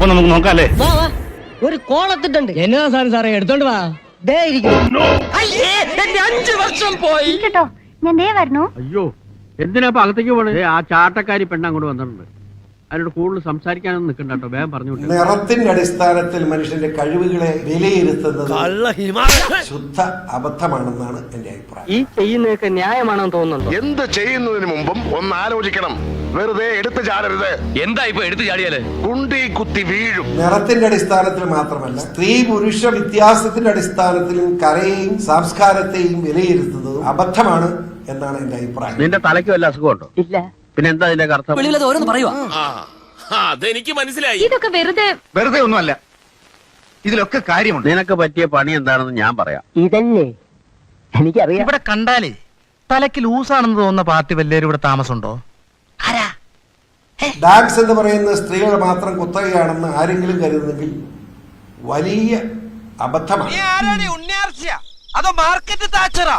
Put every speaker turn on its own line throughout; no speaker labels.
അപ്പൊ നമുക്ക് നോക്കാല്ലേ?
വാ വാ, ഒരു കോളത്തിട്ടുണ്ട്.
എന്നതാ സാധനം സാറേ, എടുത്തോണ്ട് വാ.
ദേ ഇരിക്കുന്നു. അയ്യേ, എന്റെ 5 വർഷം പോയി
കേട്ടോ. ഞാൻ ദേ വരണോ?
അയ്യോ, എന്തിനാ അകത്തേക്ക് പോണേ? ആ ചാട്ടക്കാരി പെണ്ണ് അങ്ങോട്ട് വന്നിട്ടുണ്ട്. അതിനോട് കൂടുതൽ സംസാരിക്കാനൊന്നും നിൽക്കണ്ട കേട്ടോ, വേഗം പറഞ്ഞു വിട്ടു.
നിറത്തിന്റെ അടിസ്ഥാനത്തിൽ മനുഷ്യന്റെ കഴിവുകളെ വിലയിരുത്തുന്നത് ശുദ്ധ അബദ്ധമാണെന്നാണ് എന്റെ അഭിപ്രായം.
ഈ ചെയ്യുന്നതൊക്കെ ന്യായമാണെന്ന് തോന്നുന്നുണ്ടോ?
എന്ത് ചെയ്യുന്നതിന് മുമ്പും ഒന്ന് ആലോചിക്കണം. വെറുതെ എടുത്തു ചാടരുത്.
എന്താ ഇപ്പൊ എടുത്തു ചാടിയാല്?
കുണ്ടി കുത്തി വീഴും.
നിറത്തിന്റെ അടിസ്ഥാനത്തിൽ മാത്രമല്ല, സ്ത്രീ പുരുഷ വ്യത്യാസത്തിന്റെ അടിസ്ഥാനത്തിലും കലയെയും സംസ്കാരത്തെയും വിലയിരുത്തുന്നതും അബദ്ധമാണ് എന്നാണ് എന്റെ അഭിപ്രായം.
നിന്റെ തലയ്ക്ക് വല്ല അസുഖമുണ്ടോ?
ഇല്ല.
പിന്നെ എന്താ ഇതിന്റെ അർത്ഥം?
ഓരോന്ന് പറയുവാ.
അതെനിക്ക് മനസ്സിലായി.
ഇതൊക്കെ
വെറുതെ ഒന്നുമല്ല, ഇതിലൊക്കെ കാര്യമുണ്ട്.
നിനക്ക് പറ്റിയ പണി എന്താണെന്ന് ഞാൻ പറയാം.
ഇതല്ലേ എനിക്കറിയാം.
ഇവിടെ കണ്ടാലേ തലയ്ക്ക് ലൂസാണെന്ന് തോന്നുന്ന പാർട്ടി വല്ലേരും ഇവിടെ താമസമുണ്ടോ?
ഡാൻസ് എന്ന് പറയുന്നത് സ്ത്രീകൾ മാത്രം കുത്തകയാണെന്ന് ആരെങ്കിലും കരുതുന്നെങ്കിൽ വലിയ അബദ്ധമാണ്.
അതോ മാർക്കറ്റ് താച്ചറാ?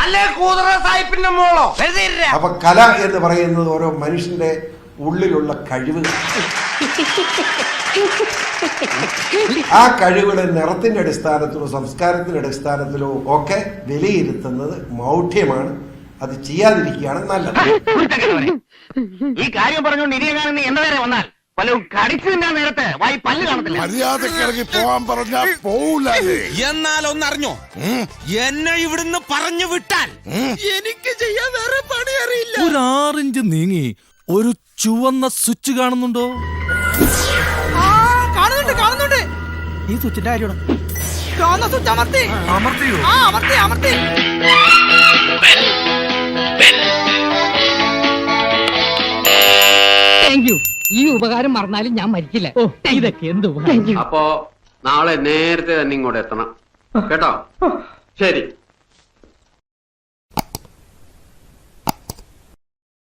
അപ്പൊ കല എന്ന് പറയുന്നത് ഓരോ മനുഷ്യന്റെ ഉള്ളിലുള്ള കഴിവുകൾ. ആ കഴിവുകളെ നിറത്തിന്റെ അടിസ്ഥാനത്തിലോ സംസ്കാരത്തിന്റെ അടിസ്ഥാനത്തിലോ ഒക്കെ വിലയിരുത്തുന്നത് മൗഢ്യമാണ്. അത് ചെയ്യാതിരിക്കുകയാണ് നല്ലത്.
ഈ കാര്യം പറഞ്ഞുകൊണ്ട് ഇനിയെങ്ങാനും എന്റെ നേരെ വന്നാൽ പലരും കടിച്ചു തിന്നാൻ നേരത്തെ വായി പല്ല് കാണത്തില്ല.
മര്യാദക്കിറങ്ങി പോവാൻ പറഞ്ഞാ പോവില്ല.
എന്നാൽ ഒന്നറിഞ്ഞോ, എന്നെ ഇവിടുന്ന് പറഞ്ഞു വിട്ടാൽ എനിക്ക് ചെയ്യാൻ വേറെ പണി അറിയില്ല.
ഒരു 6 ഇഞ്ച് നീങ്ങി ഒരു ചുവന്ന സ്വിച്ച് കാണുന്നുണ്ടോ? കാണുന്നുണ്ട്. ഈ സ്വിച്ചിന്റെ കാര്യമാണ്. അമർത്തിയോ? അമർത്തി.
Thank you. ഈ ഉപകാരം മറന്നാലും ഞാൻ മരിക്കില്ല. ഇതൊക്കെ എന്ത് ഉപകാരം.
അപ്പോ നാളെ നേരത്തെ തന്നെ ഇങ്ങോട്ട് എത്തണം കേട്ടോ? ശരി.